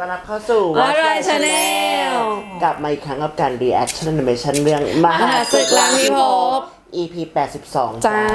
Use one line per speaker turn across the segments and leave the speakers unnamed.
ต้อนรับเข้าสู่
What Right Channel
กลับมาอีกครั้งกับการ reaction animation เรื่องมหาศึกล้างพิภพ EP 82
จ้า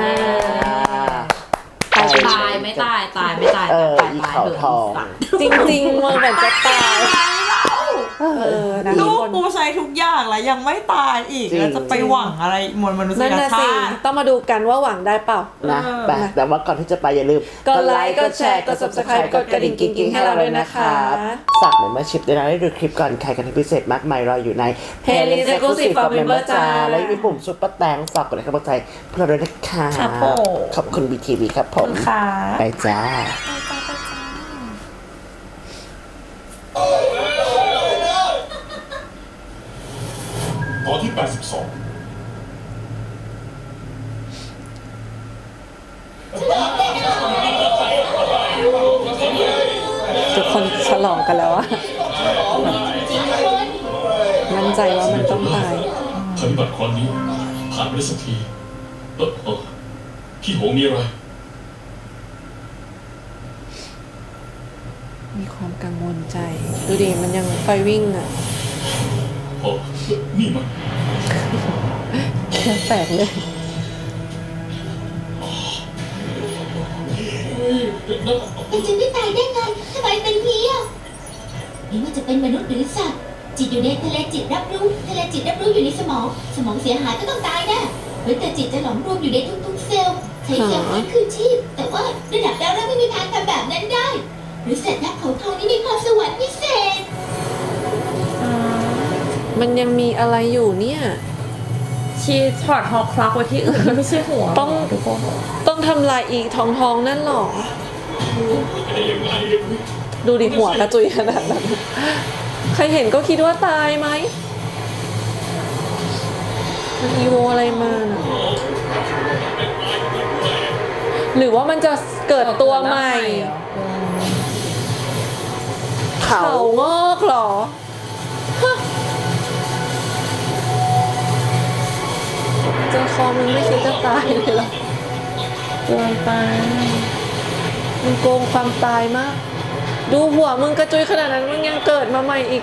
ตายไม่ตายตายไม่ตาย
อีเขาทอง
จริงๆมันเหมือนจะตายนะ
ลู
ทุก
ก
คน
กูใช้ทุกอย่างแล้วยังไม่ตายอีกแล้วจะไปหวังอะไรมวลมนุษ
นั่น
ย
น่ะ
ชา
สิ
ติ
ต้องมาดูกันว่าหวังได้เปล่า
นะแต่ว่าก่อนที่จะไปอย่าลืม
กดไลค์กดแชร์กด Subscribe กดกระดิ่งกิ๊งๆให้เราด้วยนะคะ
ฝาก membership ด้วยนะได้ดูคลิปก่อนใครกันที่พิเศษมากมายรออยู่ใน
Playlist Exclusive for Member จ้า
และมีปุ่มซุปเปอร์แตงฝากกดไลค์กำลังใจเพื่อเราด้วยนะคะ
ครับผม
ขอบคุณ BTV ครับผม
ค่ะ
ไปจ้า
ตอนที่ 82
ทุกคนฉลองกันแล้วอะมั่นใจว่ามันต้องตาย
ปฏิบัติครั้งนี้ผ่านไปได้สักทีพี่หงมีอะไร
มีความกังวลใจ ดูดิมันยังไฟวิ่งอะ
นี่มัน
แค่แตกเลย
มันจะไม่ตายได้ไงทำไมเป็นนี้อ่ะไม่ว่าจะเป็นมนุษย์หรือสัตว์ จิตอยู่ในทะเลจิตรับรู้ ทะเลจิตรับรู้อยู่ในสมอง สมองเสียหายก็ต้องตายแน่หรือแต่จิตจะหลอมรวมอยู่ในทุกๆเซลล์ ใช้เซลล์ฟื้นคืนชีพ แต่ว่าระดับดาวฤกษ์ไม่มีทางทำแบบนั้นได้ หรือสัตว์นักเขาทองนี่มีพรสวรรค์พิเศษ
มันยังมีอะไรอยู่เนี่ย
ชีถอดฮอกคลักไว้ที่อื่นไม่ใช่หัว
ต้องทำลายอีกทองนั่นหรอ ดูดิหัวกระจุยขนาดนั้น ใครเห็นก็คิดว่าตายไหม มันอีโวอะไรมาน่ะ หรือว่ามันจะเกิดตัวใหม่ เขางอกเหรอฮะเจอคอมึงไม่คิดจะตายเลยเหรอ
เกินไป
มึงโกงความตายมาก ดูหัวมึงกระจุยขนาดนั้นมึงยังเกิดมาใหม่อีก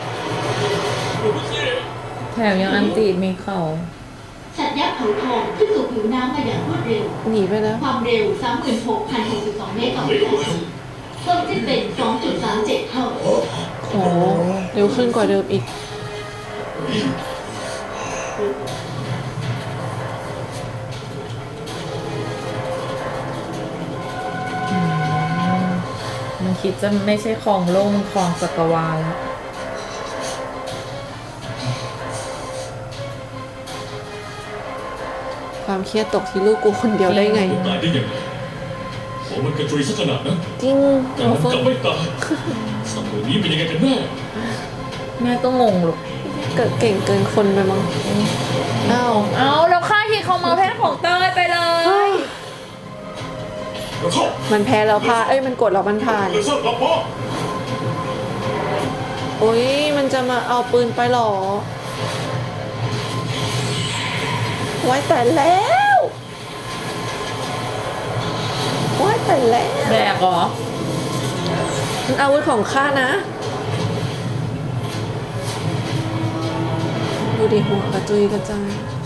แถมยังอันตีมีเขา
สัตว์ยักษ์เขาทองขึ้นสู่ผิวน้ำมาอย่างรวดเร็ว
หนีไปแล้ว
ความเร็ว 36,062 เมตรต่อวินาทีเพิ่มขึ้นเป็น 2.37 เท่า
โอ้เร็วขึ้นกว่าเดิมอีก
มันคิดจะไม่ใช่ของโลกมันของจักรวาลแล้ว
ความเครียดตกที่ลูกกูคนเดียวได้ไง
ตายได้ยังไงหัวมันกระจุยซะขนาดนั้น
จริง
แต่มันกลับไม่ตายสัตว์ตัวนี้เป็นยังไงกันแน่
แม่ก็งงหรอก
เกิดเก่งเกินคนไปมั้งอ้าว
เอาแล้วค่าที่เขามาแพ้ของเต้ยไปเลย
แล้วเข้า
มันแพ้แล้วพาเอ้ยมันกดแล้วมันผ่าน
เลเซอร์กลับมา
โอ้ยมันจะมาเอาปืนไปหรอ ไว้แต่แล้วไว้แต่แล้ว
แบกเหรอ
มันอาวุธของข้านะ ดูดิหัวกระจุยกระจาย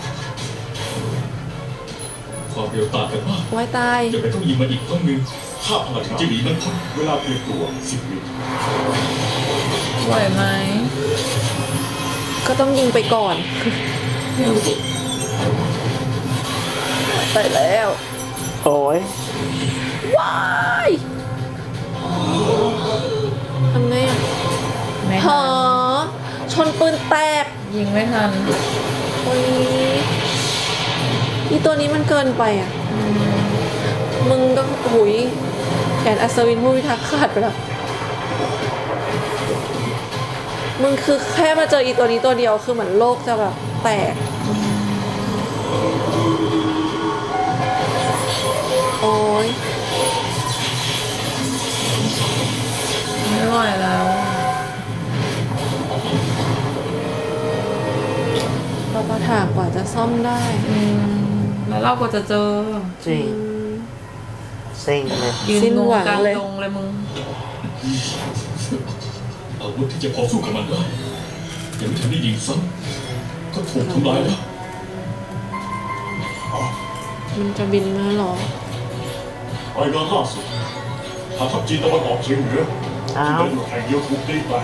ความเร็วต่างกันมาก
ไว้ตาย
จะไปต้องยิงมาอีกครั้งหนึ่งถ้าพลังจะหนีมันพ้นเวลาเปลี่ยนตัว10 วิ
ไหวไหม
ก็ต้องยิงไปก่อน ไปแล้ว
โอ้ย
ว้ายทำไงอ่ะ
ไม่
ห
ทั
อน ชนปืนแตก
ยิงไม่ทัน
โอ้ยอีตัวนี้มันเกินไปอ่ะ มึงก็หุยแขนอัศวินผู้พิทักษ์ขาดไปแล้ว มึงคือแค่มาเจออีตัวนี้ตัวเดียวคือเหมือนโลกจะแบบแตก โอ้ย
ไม่ไหวแล้ว
เราประถางกว่าจะซ่อมได้
แล้วเราก็จะเจอ
จริงเซ็งเลย
ยืน
สิ้น
งง
หวัง
กลาง
เลย
ดงเลยมึง
อาวุธที่จะพอสู้กับมันได้ยังไม่ทันได้ยิงซ้ำก็ถูกทำลายแล้ว
มันจะบินมาเหรอ
รายงานล่าสุดฐานทัพจีนตะวันออกเฉียงเหนือ
อ้า
ที่
ว
เดินอยู่แห่งเดียวถูกตีแตก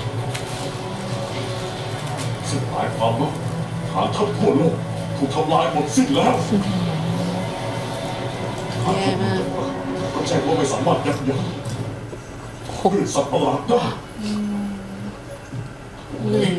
ซึ่งหมายความว่าฐานทัพทั่วโลกถูกทำลายหมดสิ้นแล้วฐานทัพ
แย่มาก
ก็แจ้งว่าไม่สามารถยับยั้งคลื่นสัตว์ประหลาดได้
เหนื่อย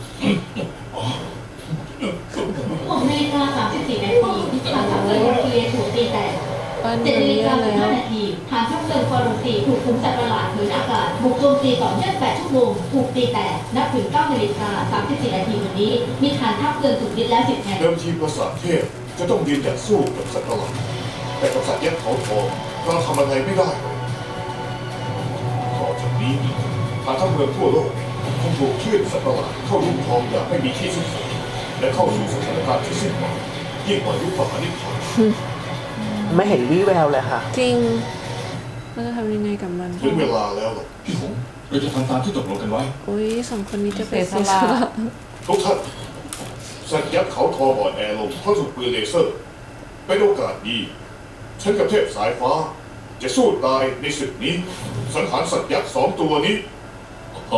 6 นาฬิกา 34 นาทีฐานทัพเรือนิวเคลียร์ถูกตีแตก
บ้าน
7
เมือง
นาฬิ
แย่
กา
แล้ว
15 นาทีฐานทัพเรือฟอร์ซีถูกขุมสัตว์ประหลาดผืนอากาศบุกโจมตีต่อเนื่อง8 ชั่วโมงถูกตีแตกนับถึง 9 นาฬิกา 34 นาทีวันนี้ มีฐานทัพเรือถูกยึดแล้ว 10 แห่ง
เดิมทีปราสาทเทพจะต้องยืนหยัดสู้กับสัตว์ประหลาดแต่กับสัตว์ยักษ์เขาทองเราทำอะไรไม่ได้เลยต่อจากนี้ทางทั้งเมืองทั่วโลกคงถูกคลื่นสัตว์ประหลาดเข้าลุ่มคลองอย่างไม่มีที่สิ้นสุดและเข้าสู่สถานการณ์ที่สิ้นหวังยิ่งกว่ายุคมหานิพพาน
ไม่เห็นวี่แววเลยค่ะ
จริงเราจะทำยังไงกับมัน
ถึงเวลาแล้วล่ะ
พี่หงเราจะทำตามที่ตกลงกันไว้
โอ้ยสองคนนี้จะเป็น
เสียสละ
ทุกท่านสัตว์ยักษ์เขาทองอ่อนแอลงเพราะถูกปืนเลเซอร์เป็นโอกาสดีฉันกับเทพสายฟ้า จะสู้ตายในศึกนี้ สังหารสัตว์ยักษ์2 ตัวนี้
อ๋อ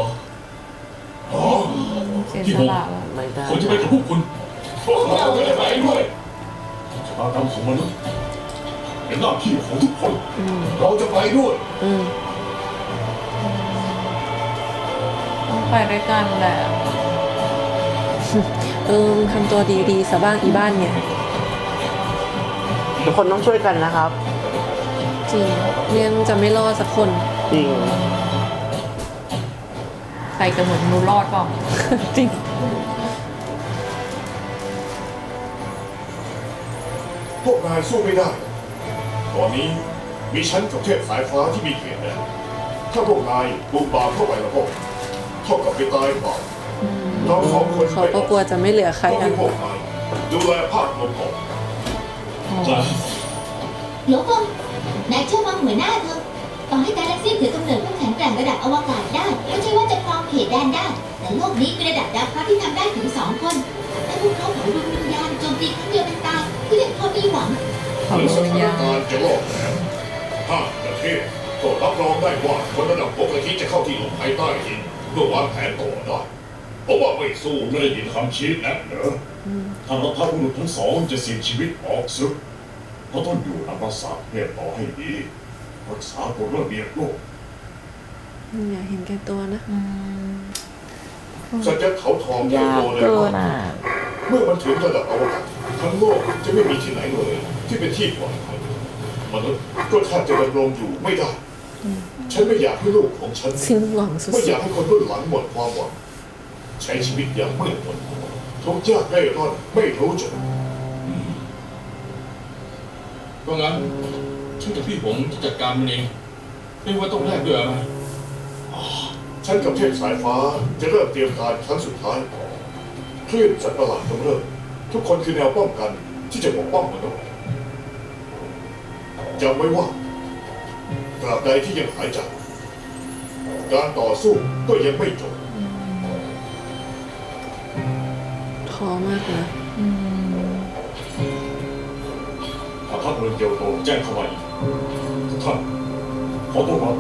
เสียสละแล้ว
ไม่ได้
ผมจะไปกับพวกคุณพวกเราจะไปด้วยชะตากรรมของมนุษย์เป็นหน้าที่ของทุกคน
เราจะไปด้วย
อืม
ต้องไปด้วยกันแหละ
มึงทำตัวดีๆซะบ้างอีบ้านเนี่ย
ทุกคนต้องช่วยกันนะครับ
จริงเรียนจะไม่รอดสักคน
จริง
ใครจะเหมือนนูรอดเปล่า
จริง
พวกนายสู้ไม่ได้ ตอนนี้มีฉันกับเทพสายฟ้าที่มีเขตแดนถ้าพวกนายบุกบามเข้าไปแล้วก็เท่ากับไปตายเปล่าเราสองคน
เขาก็กลัวจะไม่เหลือใคร
ต้อง
กั
ให้
น
พวกนายดูแลภาพรวมของ
จ้ะ
หลวงพ่นายเชื่อมั่นหัวหน้าเถอะต่อให้กาแล็กซี่ถือกำเนิดผู้แข็งแกร่งระดับอวกาศได้ก็ใช่ว่าจะครองเขตแดนได้ แต่โลกนี้มีระดับดาวพระที่ทำได้ถึง 2 คนถ้าพวกเขาเผาดวงวิญญาณโจมตีครั้งเดียวเป็นตายก็ยังพอมีหวัง
หรือสถานการณ์จะรอดแล้วถ้าประเทศก็รับรองได้ว่าคนระดับปกติจะเข้าที่หลบภัยใต้ดินเพื่อวางแผนต่อได้เพราะว่าไม่สู้
ไม่ได้ยินคำชี้แนะเหรอถ้าเราพาบุรุษทั้งสองจะเสี่ยงชีวิตออกซึกเราต้องอยู่ในปราสาทเทพต่อให้ดีรักษากฎระเบียบโลก
อย่าเห็นแก่ตัวนะ
สัตว์ยักษ์เขาทองใหญ่
ยาก
โตเลย
เกิน
มาก
อ่ะ
เมื่อมันถึงระดับอวกาศทั้งโลกจะไม่มีที่ไหนเลย ที่เป็นที่ปลอดภัยมนุษย์ก็แทบจะดำรงอยู่ไม่ได้ ฉันไม่อยากให้ลูกของฉัน
สิ้นหวังสุ
ไม่อ
ด
ยากให้คนรุ่นหลังหมดความหวังใช้ชีวิตอย่างมืดมนทุกข์ยากเร่ร่อนไม่รู้จบ
ก็งั้นฉันกับพี่หงจะจัดการมันเองไม่ว่าต้องแลกด้วยอะไร
ฉันกับเทพสายฟ้าจะเริ่มเตรียมการครั้งสุดท้ายคลื่นสัตว์ประหลาดกำเริบทุกคนคือแนวป้องกันที่จะปกป้องมนุษย์จำไว้ว่าตราบใดที่ยังหายใจการต่อสู้ก็ยังไม่จบ
ๆท้อมากนะ
ถ้าทัพเมืองเกียวโตแจ้งเข้ามาอีกทุกท่านขอตัวรับ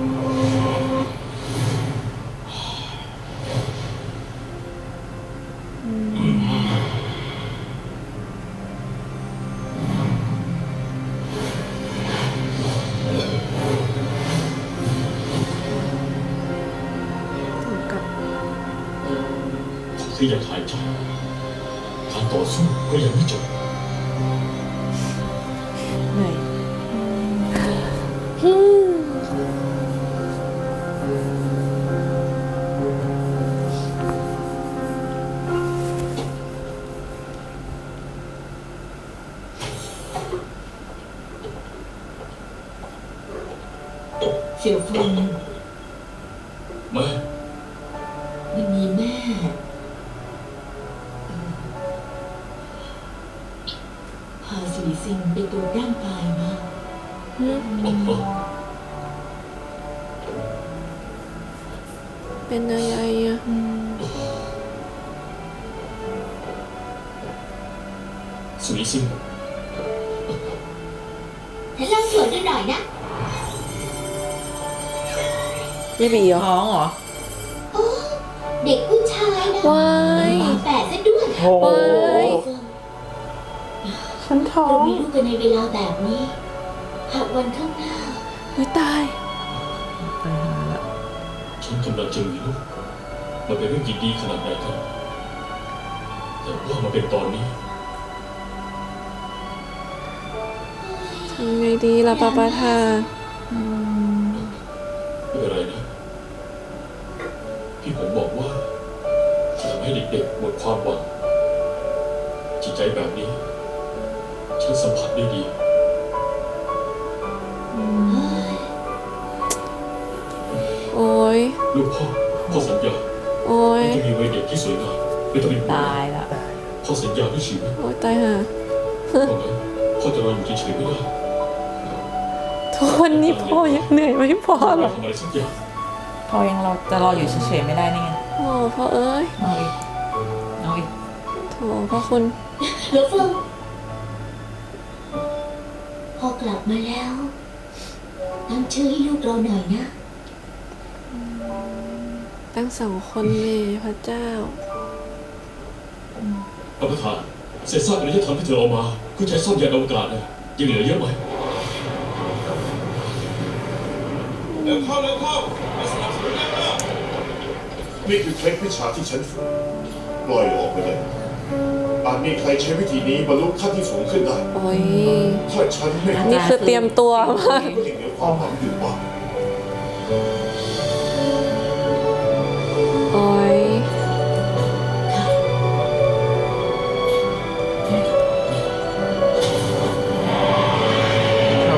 ถึงกับ
ที่ยังหายใจการต่อสู้ก็ยังไม่จบ
เหนื่อย
เสี่ยวฟง
แม่
วันนี้แม่พาสุริซิงไปตรวจร่างกายมา
ไปเป็นอะไรอ่ะ
สุริซิง
ฉันเล่าส่วนด้วยหน่อยนะ
ไม่บีเหรอ
ท้องเหรอ
โอ้เด็กผู้ชายนะ
ว้าย
ฝาแฝดซะด้วย
โอ้โห
ว้าย
ฉันท้อ
เรา
ง
มีลูกกันในเวลาแบบนี้ หากวันข้างหน้า
ไม่ตาย
ไปหาละ
ฉันกำลังจะมีลูกมันเป็นเรื่องยินดีขนาดไหนกันแต่ว่ามาเป็นตอนนี้
ทำไงดีล่ะปาปาทา
ไม่เป็นไรนะพี่ผมบอกว่าจะทำให้เด็กๆหมดความหวังจิตใจแบบนี้ ฉันสัมผัสได้ดี
โอ้ย
ลูกพ่อสัญญา
โอ้ย
ว่าจะมีวัยเด็กที่สวยงามไม่ต้องเป็นห่วง
ตายละ
พ่อสัญญาด้วยชีวิต
โอ้ยตายห่า
เพราะงั้นพ่อจะรออยู่เฉยๆไม่ได้
ทุกวันนี้พ่อยังเหนื่อยไม่พอหร
ต้
อ
องทำอะไรสักอย่าง
พอยังเราจะรออยู่เฉยๆไม่ได้นี่ไง
โอ้พ่อเอ้ย
เอาอีกเอาอีก
โถพ่อคุณ
หลวงเฟิงพอกลับมาแล้ว ตั้งชื่อให้ลูกเราหน่อยนะ
ตั้ง2 คนเลยพระเจ้า
ท่านประธานเศษซากอารยธรรมที่เธอเอามาเพื่อใช้ซ่อมยานอวกาศเนี่ยยังเหลือเยอะไหม
เร็วเข้ามาสนับสนุนแล้วนี่คือเคล็ดวิชาที่ฉันฝึกปล่อยออกไปเลยอาจมีใครใช้วิธีนี้บรรลุขั้นที่สูงขึ้นได้
โอ้ย
ถ้าฉันไม่
นี่คือเตรียมตัวมาก
ก็ยังเหลือความหวังอยู่ว่า
โอ้ย
โอ้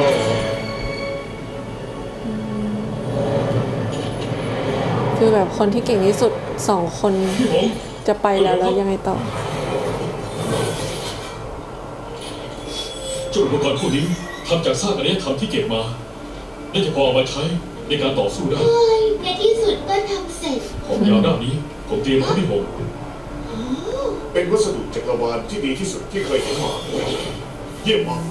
คือแบบคนที่เก่งที่สุด2 คน
พี่ผม
จะไปแล้วยังไงต่อ
เจ้าอุปกรณ์พวกนี้ทำจากซากอารยธรรมที่เก็บมาน่าจะพอเอามาใช้ในการต่อสู้ได้
เฮ้ยในที่สุดก็ทำเสร็จ
ของยาวด้านนี้ผมเตรียมให้พี่ผม
เป็นวัสดุจักรวาลที่ดีที่สุดที่เคยเห็นมาเยี่ยมมาก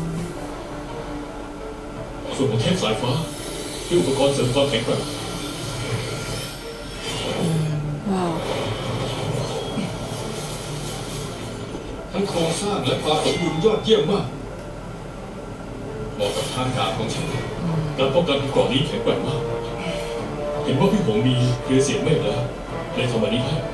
ส่วนของเทพสายฟ้าคืออุปกรณ์เสริมความแข็งแกร่ง
ว้าว
ทั้งโครงสร้างและความสมบูรณ์ยอดเยี่ยมมากเหมาะกับทางการของฉันการป้องกันกรอบนี้แข็งแกร่งมาก เห็นว่าพี่ผมมีเครือเสียงเมฆแล้วเลยทำอันนี้ให้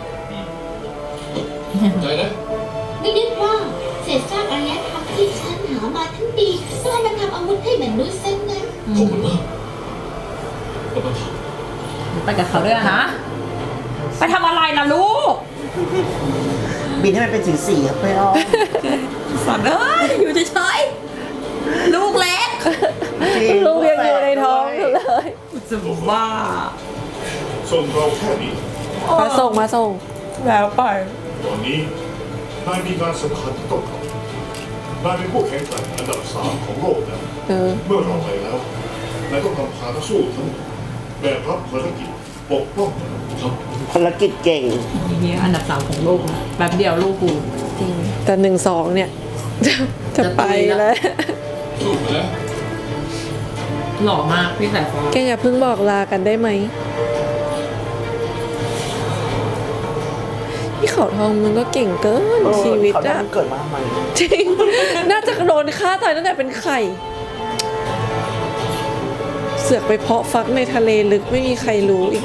ใจนะ
ไม่นึกว่าเศษซากอารยธรรมที่ฉันหามาทั้งปีต้องเอามาทำอาวุธให้มนุษย์ซะงั้น
ขอบคุณมากประธาน
ไปกับเขาด้วยนะฮะ ไปทำอะไรนะลูก
บินให้มันเป็นสีๆครับเพื่อน
สัตว์เอ้ย อยู่เฉยๆลูกเล็ก
ลูกยังอยู่ในท้องอยู่เลย
จะบ้า
ส่งเราแค่นี้
มาส่ง
แล้วไป
ตอนนี้นายมีงานสำคัญที่ต้องทำนายเป็นผู้แข่งขันอันดับ3ของโลกแล้ว
เออ
เมื่อเราไปแล้วนายต้องนำพานักสู้ทั้งหมดแบกรับภารกิจปกป้อง
ครับ
ภารกิจเก่ง
เฮียอันดับ3ของโลกนะแป๊บเดียวลูกกู
จริง แต่1-2 เนี่ย จะไปแล้ว
สู้ไปแล้ว
หล่อมากพี่สายฟ้า
แกอย่าเพิ่งบอกลากันได้ไหมพี่เขาทองมันก็เก่งเกินชีวิต
เขาได้
อะ
มันเกิดมาทำไม
จริง น่าจะโดนฆ่าตายตั้งแต่เป็นไข่ เสือกไปเพาะฟักในทะเลลึกไม่มีใครรู้อีก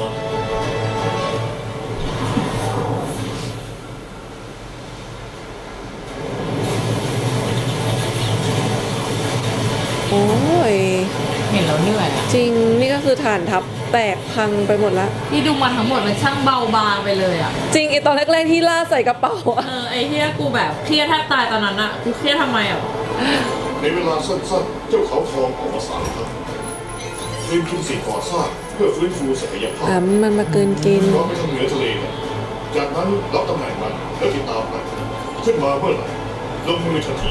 โอ้ย
เห็นแล้วเหนื่อยอะ
จริงนี่ก็คือฐานทัพแตกพังไปหมดละ
ที่ดูมาทั้งหมดมันช่างเบาบางไปเลยอ่ะ
จริงไอตอนแรกๆที่ล่าใส่กระเป๋าอะ
ไอ้เฮียกูแบบเครียดแทบตายตอนนั้นอะกูเครียดทำไมอ่ะ
ในเวลาสั้นๆ เจ้าเขาทองออกมา3 ครั้งเตรียมทุนสิ่งก่อสร้างเพื่อฟื้นฟูศักยภาพ
มันมาเกินกิน
เราไปทางเหนือทะเลกันจากนั้นรับตำแหน่งมันแล้วติดตามมันขึ้นมาเมื่อไหร่ลงมือทันที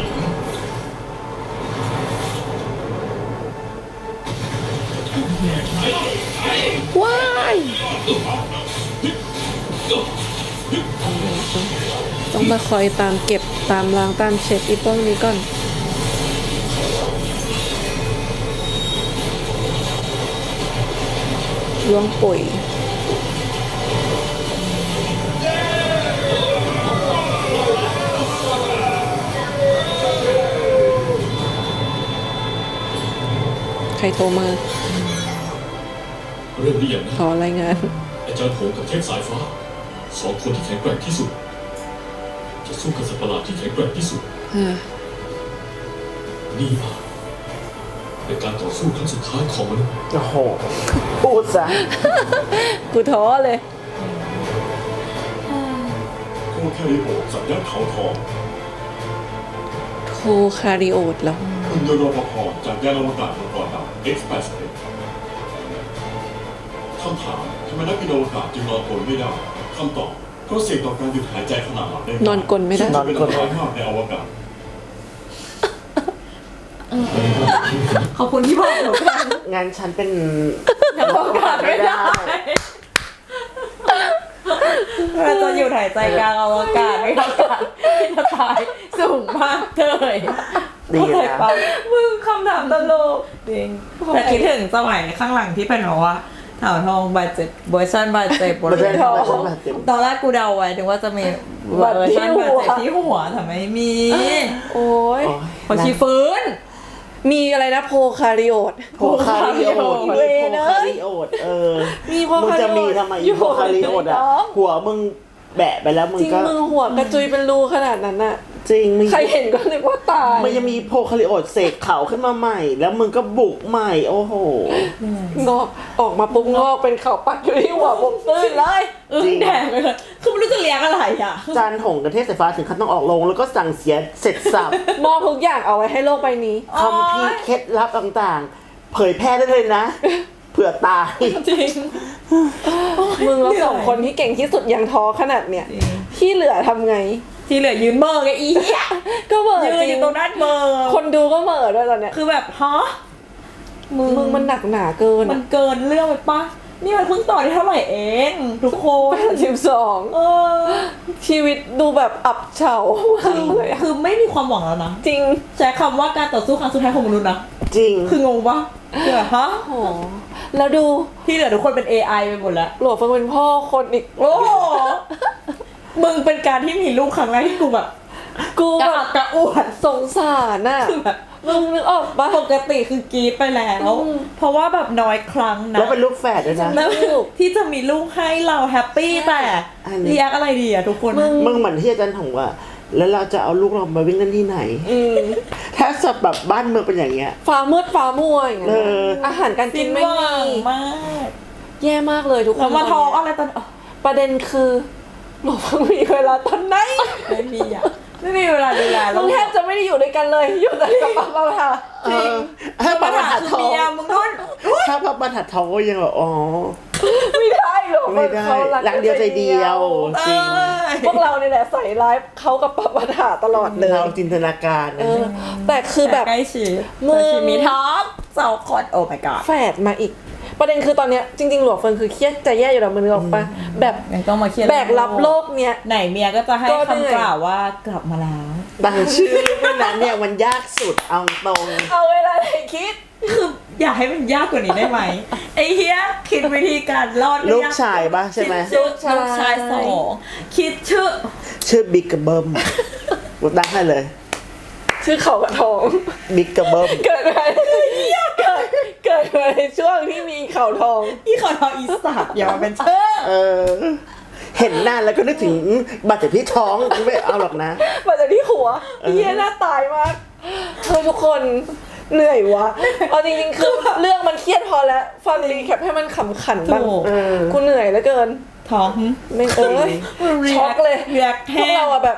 ว้าย
พี่
มาคอยตามเก็บตามล้างตามเช็ดอีพวกนี้ก่อนล้วงปุ๋ยใครโทรมา
เรื่องนี้อย่างนะ
ขอรายงาน
อาจารย์โหงกับเทพสายฟ้าสองคนที่แข็งแกร่งที่สุด จะสู้กับสัตว์ประหลาดที่แข็งแกร่งที่สุด นี่อาจเป็นการต่อสู้ครั้งสุดท้ายของมนุษย์
โอ้โห พูดซะ
กูท้อเลย
โคแคริโอสัญญาเขาทอง
โคคาริโอดแล้ว
หุ่นยนต์รปภจากยานอวกาศมังกรดำ X-81 คำถามทำไมนักบินอวกาศจึงนอนกลนไม่ได้คำตอบเพราะเสี่ยงต่อการหยุดหายใจขณะหลับได้
นอนกลนไม่ได้
ซึ่งเป็นอันตรายมากในอวกาศ
ขอบคุณที่บอกหนูกัน
งานฉันเป็น
ยังบอกกันไม่ได้เราจะอยู่หายใจกลางอวกาศไม่อากาศที่จะตายสูงมากเลย
ดี
เข้าใจ
นะ
ปะมึงคำถามตลกจริงแต่คิดถึงสมัยข้างหลังที่เป็นแบบว่าเต่าทองบาดเจ็บเวอร์ชันบาดเจ็บบริเวณท้องตอนแรกกูเดาไว้ถึงว่าจะมีเวอร์ชันบาดเจ็บที่หัวแต่ไม่มี
โอ้ย
โอ้ย
พอชีฟื้น
มีอะไรนะโพคาริโอด
โพคาริโอด
เว
โพ
เนอะ
คาริโอด
มีโพ
มึง
คาริโอด
จะมีทำไม
อยู่
โพคาริโอด
ใน
อ่ะ
ท้อง
หัวมึงแบะไปแล้วมึง
จริง
ก็
มือหัวกระจุยเป็นรูขนาดนั้นน่ะ
จริงมึง
ใครเห็นก็นึกว่าตาย
มันยังมีโพคาริโอดเสกเขาขึ้นมาใหม่ แล้วมึงก็บุกใหม่ โอ้โห
งอกออกมาปุ๊บงอกเป็นเขาปักอยู่ที่หัวผมตื้นเลย
จริง
แดงเลยคือไม่รู้จะเลี้ยงอะไรอ่ะ
จานหงกับเทพสายฟ้าถึงขั้นต้องออกโรงแล้วก็สั่งเสียเสร็จสับ
มอบทุกอย่างเอาไว้ให้โลกใบนี้
คำพีร์เคล็ดลับต่างๆ เผยแพร่ได้เลยนะ เผื่อตาย
จริง มึงแล้วสองคนที่เก่งที่สุดยังท้อขนาดเนี้ยที่เหลือทำไง
ที่เหลือยืนเบอร์ไงอีเหี้ย
ก็เหม่อ
ยืน
จริ
อง ยู่ตรงนั้นเบอร์
คนดูก็เหม่อด้วยตอนเนี้ย
คือแบบฮะ
มึงมันหนักหนาเกิน
มันเกินเรื่องไปปะนี่มันเพิ่งต่อได้เท่าไหร่เองทุกคน
82
เออ
ชีวิตดูแบบอับเฉามากเลยอะ
คือไม่มีความหวังแล้วนะ
จริง
ใช้คำว่าการต่อสู้ครั้งสุดท้ายของมนุษย์นะ
จริง
คืองงปะคือแบบฮะ
โอ้โหแล้วดู
ที่เหลือทุกคนเป็น AI ไปหมดแล้ว
หลวงเฟิงเป็นพ่อคนอีก
โอ้โหมึงเป็นการที่มีลูกครั้งแรกที่กูแบบ
กู
กระ
แบ
อั
บ
กกระอ่วน
สงสารน่ะ
คือแบบ
มึงนึกออกปะ
ปกติคือกรีดไปแล้ว เพราะว่าแบบน้อยครั้งนะ
แล้วเป็นลูกแฝดด้วยนะ
แล้วที่จะมีลูกให้เราแฮปปี้แต่
อันนี้
เรียกอะไรดีอะทุกคน
มึงเหมือนที่อาจารย์ถงว่า แล้วเราจะเอาลูกเรามาวิ่งเล่นที่ไหน
อืม
ถ้าสดแบบบ้านเมืองเป็นอย่างเงี้ย
ฟ้ามืดฟ้ามัวอย่างเงี้ย
เออ
อาหารการกิ
สิ้
น
น
ไม่
หวั
มี
งมาก
แย่มากเลยทุกคน
แล้วมา
ต
ท้อง
อน
อะไร
เนี้ย
ตอน
ประเด็นคือหลวงเฟิงมีเวลาตอนไหน
ไม่มีอะไม่มีเวลาดูแล
มึงแทบจะไม่ได้อยู่ด้วยกันเลย อยู่แต่กับปังเราค่ะ
เออถ้าป
ปั
ระ
ญ
บรร
หา
ทัด
คือ
ทอง
เมียมึงนู่น
ถ้าพระบรรทัดทองก็ยังแบบอ๋อ
ไม่ได้หรอก
ไม่ได้
เขา
รักเดียวใจเดียว จริง
พวกเราเนี่ยแหละใส่ร้ายเขากับปัปัญหาตลอดเลย
เราจินตนาการ
เออ แต่คือแบบ
ใกล้ชิด
มึง
แต่ชีมีท็อปสองคนโอ้ my god
แฝดมาอีก ประเด็นคือตอนเนี้ยจริงๆหลวงเฟิงคือเครียดจะแย่อยู่แล้วมึงนึกออกปะแบบ
ยังต้องมาเครียด
แบกรับโลกเนี้ย
ไหนเมียก็จะให้
ก็เหนื่อย
คำกล่าวว่ากลับมาแล้ว
ตั้งชื่อเป็นนั้นเนี่ยมันยากสุดเอาตรง
เอาเวลาไหนคิด
คืออยากให้มันยากกว่านี้ได้ไหม ไอ้เฮียคิดวิธีการรอด
ลูกชายปะใช่ไหม
คิดชื่อลูกชายสองคิดชื่อ
บิ๊กกับเบิ้มกูตั้งให้เลย
ชื่อเขากระทอง
บิ๊กกับเบิ้ม
เกิดมาเกิดมาในช่วงที่มีเขาทอง
อีขอทออีสัตว์อย่ามาเป็นชื่อ
เออ เห็นหน้าแล้วก็นึกถึงบาดเจ็บที่ท้องไม่เอาหรอกนะ
มาจากที่หัวเฮียน่าตายมากเฮ้ยทุกคนเหนื่อยวะเอาจริงๆคือเรื่องมันเครียดพอแล้วฟังรีแคปให้มันขำขันบ้าง
ถูก
กูเหนื่อยเหลือเกิน
ท้อง
ไม่เอ้ยช็อกเลย
เรียก
พวกเราอะแบบ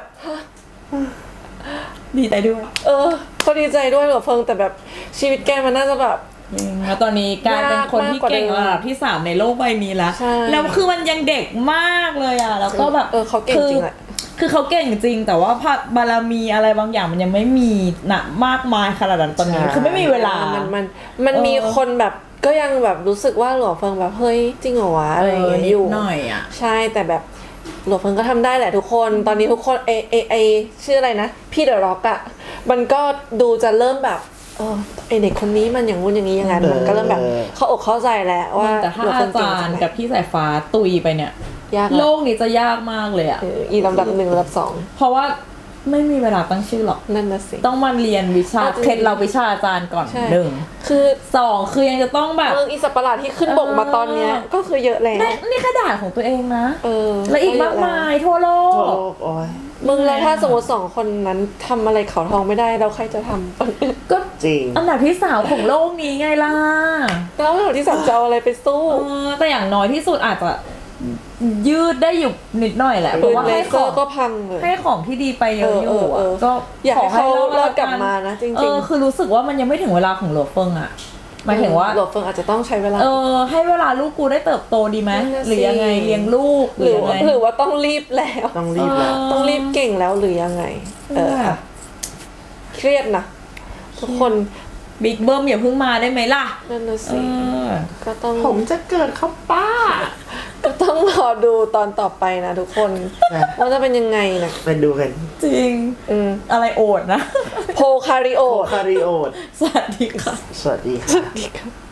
ดีใจด้วย
ก็ดีใจด้วยหลวงเฟิงแต่แบบชีวิตแกมันน่าจะแบบ
แล้วตอนนี้กลายเป็นคนที่เก่งระดับที่ 3 ในโลกใบนี้แล้ว
ใช่
แล้วคือมันยังเด็กมากเลยอ่ะ แล้วก็แบบ
เขาเก่งจริงแหละ
คือเขาเก่งจริงแต่ว่าบารมีอะไรบางอย่างมันยังไม่มีนะมากมายขนาดนั้นตอนนี้
ใช่
คือไม่มีเวลา
มันมีคนแบบก็ยังแบบรู้สึกว่าหลวงเฟิงแบบเฮ้ยจริงเหรอวะอะไรอย่างเงี้ยอยู่
หน่อยอ่ะ
ใช่แต่แบบหลวงเฟิงก็ทำได้แหละทุกคนตอนนี้ทุกคนไอชื่ออะไรนะพี่เดอะร็อกอะมันก็ดูจะเริ่มแบบไอเด็กคนนี้มันอย่างงู้นอย่างนี้ยังไงมันก็เริ่มแบบเข้าอกเข้าใจแล้วว่า
แต่ถ้า
หลวง
อา
เฟิงเก่ง
จาร
จัง
ย์
เลย
กับพี่สายฟ้าตุยไปเนี่ย
ยาก
โล
นะ
กนี้จะยากมากเลยอ่ะ
อีลำดับ1ลำดับ2
เพราะว่าไม่มีเวลาตั้งชื่อหรอก
นั่นน่ะสิ
ต้องมาเรียนวิชา
เอาจริง
เคล็ดเราวิชาอาจารย์ก่อน
ใช่
1
คือ
2คือยังจะต้องแบบ
เมืองอีสัตว์ประหลาดที่ขึ้นบกมาตอนเนี้ยก็คือเยอะแล้ว
นี่แค่ด่านของตัวเองนะ
และ
และอีกมากมายทั่วโล
โอ้
ก
โอ้ย
มึงแล้วถ้าสมมติ2คนนั้นทำอะไรเขาทองไม่ได้เราใครจะทำ
ก็
จริง
อันดับที่3ของโลกนี้ไงล่ะ
แล้วเราที่3จะเอาอะไรไปสู้
แต่อย่างน้อยที่สุดอาจจะยืดได้อยู่นิดหน่อยแหละเพ
ปื
ราะ
น
ว่า
เล
ให้
เซ
ข
อ
อง
ร์ก็พังเลย
ให้ของที่ดีไปเยอะอยู่
เออ
ก็
อยากให้เขารอดกลับ
แว
มานะจริงๆ
คือรู้สึกว่ามันยังไม่ถึงเวลาของหลวงเฟิงอ่ะหมายถึงว่า
หลวงเฟิงอาจจะต้องใช้เวลา
ให้เวลาลูกกูได้เติบโตดีไหม
นั่นน่ะสิ
หรือยังไงเลี้ยงลูก
หรือ
ยังไง
หรือว่าต้องรีบแล้ว
ต้องรีบแล้ว
ต้องรีบเก่งแล้วหรือยังไง เครียดนะทุกคน
บิ๊กเบิ้มอย่าเพิ่งมาได้ไหมล่ะ
นั่นน่ะสิ
เออ
ก็ต้อง
ผมจะเกิดครับป้า
ก็ต้องรอดูตอนต่อไปนะทุกคน
นะ
ว่าจะเป็นยังไงนะ
ไปดูกัน
จริง อะไรโอดนะ
โพคาริโอ
โอคาริโอด
สวัสดีค่ะ
สวัสดีค่ะ
สวัสดีค่ะ